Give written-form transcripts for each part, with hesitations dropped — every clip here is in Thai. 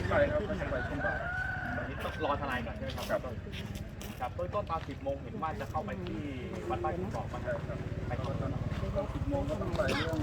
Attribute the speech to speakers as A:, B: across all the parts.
A: ไปครับก็จะไปช่วงบ่าย
B: ตอนนี้ต้องรอทนายก่อนใช่ไหมครับครับเบื้องต้นตอน10 โมงเห็นว่าจะเข้าไปที่วัดบ้านขุนบอกมา
A: ใช่ครับ
B: ไปตอนนั้น
A: ตอน10 โมงก็ต้องไปเรื่อง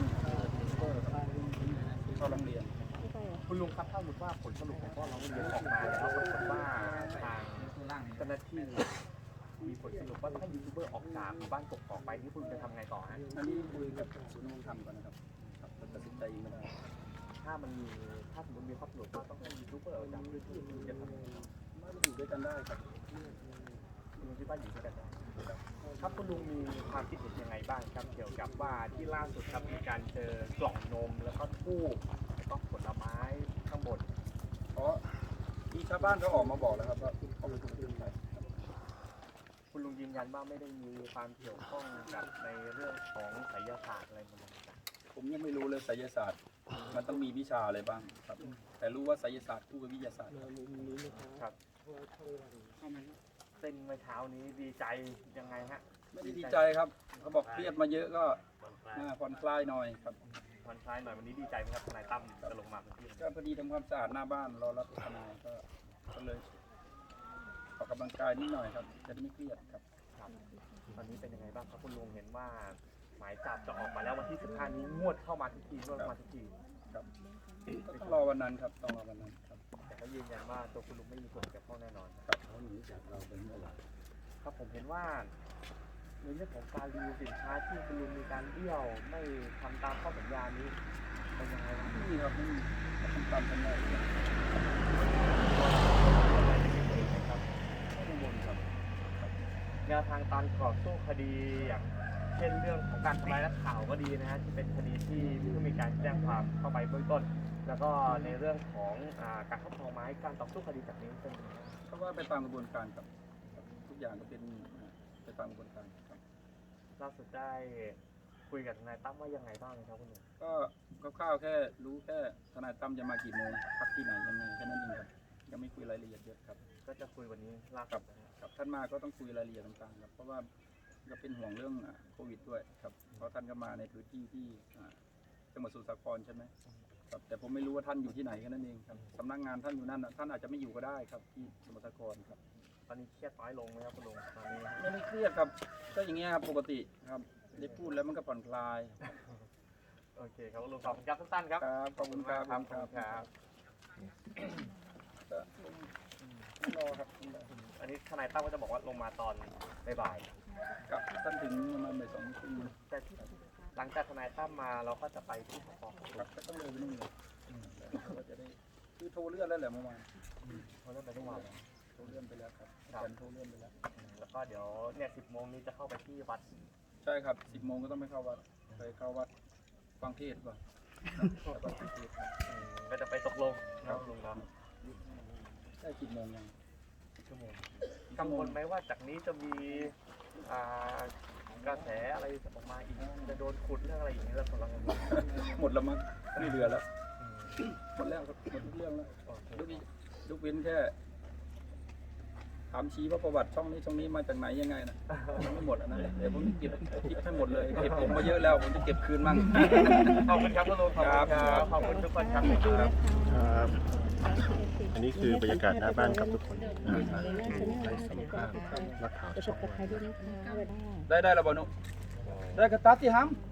A: เข้าโรงเรียน
B: คุณลุงครับถ้าสมมติว่าผลสรุปของข้อร้องเรียนออกมาแล้วปรากฏว่าทางเจ้าหน้าที่มีผลสรุปว่าถ้ายูทูบเบอร์ออกจากหมู่บ้านกกอกไปนี่คุณจะทำไงต่อฮะ
A: อันนี้คุยกับศูนย์ดำรงธรรมก่อนนะครับตัดสินใจไม่ได้
B: ถ้าสมมติมีข้อสรุปว่าต้องให้ยูทูบเบอร์ออกจากพื้นที่คุณจะทำยังไงต่อ
A: ไม่ได้อยู่ด้วยกันได้ครับ
B: คุณลุงคิดว่าอยู่ด้วยกันได้ครับคุณลุงมีความคิดเห็นยังไงบ้างครับเกี่ยวกับว่าที่ล่าสุดครับมีการเจอกล่องนมแล้วก็ทูบแล้วก็ผลไม้ข้างบน
A: เพราะที่ชาวบ้านเขาออกมาบอกแล้วครับว่าเขาไปถูกขึ้นไป
B: คุณลุงยืนยันว่าไม่ได้มีความเกี่ยวข้องกับในเรื่องของไสยศาสตร์อะไรต่างๆ
A: ผมยังไม่รู้เลยไสยศาสตร์ มันต้องมีวิชาอะไรบ้างครับ แต่รู้ว่าไสยศาสตร์คู่กับวิทยาศาสตร์
B: ครับเส้นเมื่อเช้านี้ดีใจยังไงฮะ
A: ไม่ได้ดีใจครับเขาบอกเครียดมาเยอะก็ผ่อนคลายหน่อยครับ
B: ผ่อนคลายหน่อยวันนี้ดีใจไหมครับทนายตั้มจะลงมาพื้นที่
A: ก็พอดีทำความสะอาดหน้าบ้านรอรับทนายก็เลยออกกำลังกายนิดหน่อยครับจะได้ไม่เครียดครับ
B: ครับตอนนี้เป็นยังไงบ้างครับคุณลุงเห็นว่าหมายจับจะออกมาแล้ววันที่15นี้งวดเข้ามาทุกทีงวดเข้ามาทุกที
A: ครับก็ต้องรอวันนั้นครับต้องรอวันนั้นครับ
B: แต่เขายืนยันว่าตัวคุณลุงไม่มีส่วนเกี่ยวข้องแน่นอน
A: ครับเขาหนีจากเราไปเมื่อไหร่
B: ครับผมเห็นว่าในเรื่องของการรีวิวสินค้าที่คุณลุงมีการเบี้ยวไม่ทำตามข้อสัญญานี้เป็นยังไงบ้าง
A: ไม่มีครับไม่มีทำตามสัญญาเลย
B: ครับไม่กังวลครับแนวทางการต่อสู้คดีอย่างเช่นเรื่องของการทำลายนักข่าวก็ดีนะฮะที่เป็นคดีที่เพิ่งมีการแจ้งความเข้าไปเบื้องต้น แล้วก็ในเรื่องของการครอบครองไม้การต่อสู้คดีจากนี้เป็นยังไงบ้าง
A: เพราะว่าไปตามกระบวนการครับทุกอย่างก็เป็นไปตามกระบวนการครับ
B: ล่าสุดได้คุยกับทนายตั้มว่ายังไงบ้างครับคุณหนุ่ม
A: ก็คร่าวๆแค่รู้แค่ทนายตั้มจะมากี่โมงพักที่ไหนยังไงแค่นั้นเองครับยังไม่คุยรายละเอียดเยอะครับ
B: ก็จะคุยวันนี้ล่า
A: ครั
B: สุ
A: บ
B: ดนะฮะ
A: ครับท่านมาก็ต้องคุยรายละเอียดต่างๆครับเพราะว่าก็เป็นห่วงเรื่องโควิดด้วยครับเพราะท่านก็มาในพื้นที่ที่จังหวัดสมุทรสาครใช่ไหมครับแต่ผมไม่รู้ว่าท่านอยู่ที่ไหนแค่นั้นเองครับสำนักงานท่านอยู่นั่นท่านอาจจะไม่อยู่ก็ได้ครับที่สมุทรสาครครับ
B: ตอนนี้เครียดน้อยลงไหมครับคุณลุงตอนนี้
A: ไม่ได้เครียดครับก็อย่างเงี้ยครับปกติครับได้พูดแล้วมันก็ผ่อนคลาย
B: โอเคครับคุณลุงขอบคุณครับสั้นๆครับ
A: ครับขอบคุณครับ
B: ขอบคุณครับ
A: รอครับ
B: อันนี้ทนายตั้มก็จะบอกว่าลงมาตอนบ่าย
A: ครับท่านถึงประมาณบ่ายสองครึ่ง
B: ๆแต่หลังจากทนายตั้มมาเราก็จะไปที่สพ
A: ครับก็ต้องเลยไปนู่นเลยก็จะได้คือโทรเลื่อนแล้วแหละเมื่อวาน
B: เขาเริ่มไปทุกวันแล้ว
A: โทรเลื่อนไปแล้วครับอาจารย์โทรเลื่อนไปแล้ว
B: แล้วก็เดี๋ยวเนี่ย10 โมงนี้จะเข้าไปที่วัด
A: ใช่ครับ10 โมงก็ต้องไปเข้าวัดไปเข้าวัดฟังเทศน์ก่อนแล้วก็ฟังเทศน์ครับ
B: ก็จะไปตกลงนะลุงเนาะ
A: ได้10 โมงยัง
B: ชั่วโมงกังวลไหมว่าจากนี้จะมีกระแสอะไรออกมาอีกจะโดนขุดเรื่องอะไรอย่างนี้แล้วกำลัง
A: หมดแล้วมั้งไม่เหลือแล้วหมดแล้วครับหมดทุกเรื่องแล้วยกเว้นแค่ถามชี้ว่าประวัติช่องนี้มาจากไหนยังไงนะยังไม่หมดอันนั้นเดี๋ยวผมเก็บคลิปให้หมดเลยเก็บผมมาเยอะแล้วผมจะเก็บคืนมั่ง
B: ขอบคุณครับคุณลุงขอบคุณครับขอบคุณทุกคนครับ
C: ครับอันนี้คือบรรยากาศหน้าบ้านครับทุกคนไปสัมภาษณ์นักข่าวช่องวัน
A: ได้แล้วบอนุได้กระตัดที่ห้ำ